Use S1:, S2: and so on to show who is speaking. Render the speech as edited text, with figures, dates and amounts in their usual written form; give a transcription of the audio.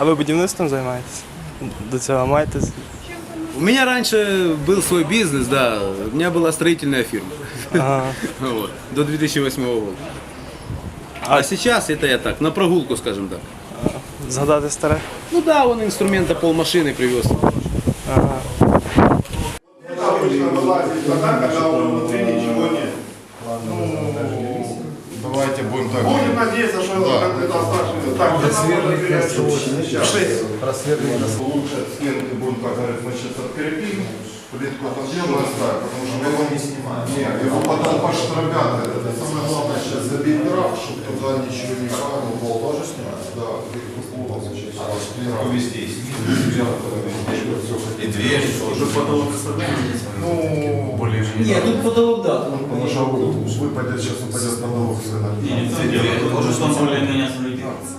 S1: А ви будівництвом займаєтесь? До цього маєте?
S2: У меня раньше был свой бизнес, да. У меня была строительная фирма.
S1: Ага.
S2: Вот, до 2008 года. А сейчас это я так, на прогулку, скажем так.
S1: Згадати старе?
S2: Ну да, он инструмента полмашины привез.
S1: Ага.
S3: Обычно вылазит тогда, когда внутри ничего нет.
S4: Давайте будем так.
S3: Будем надеяться, что это оставшееся. Так, лучше стенки будем, как говорят, мы сейчас открепим. Плитку подъем оставим, потому что его не снимаем. Нет, его потом поштробят. Это самое главное сейчас забить дров, чтобы туда ничего не падало. Пол тоже снимать? Да, пол сейчас.
S5: Везде и снизу, и дверь.
S3: Уже потолок ну, более
S2: Нет, тут потолок, да.
S3: потому что выпадет, сейчас упадет потолок с рынка.
S5: Дверь тоже, что он более-менее солиден.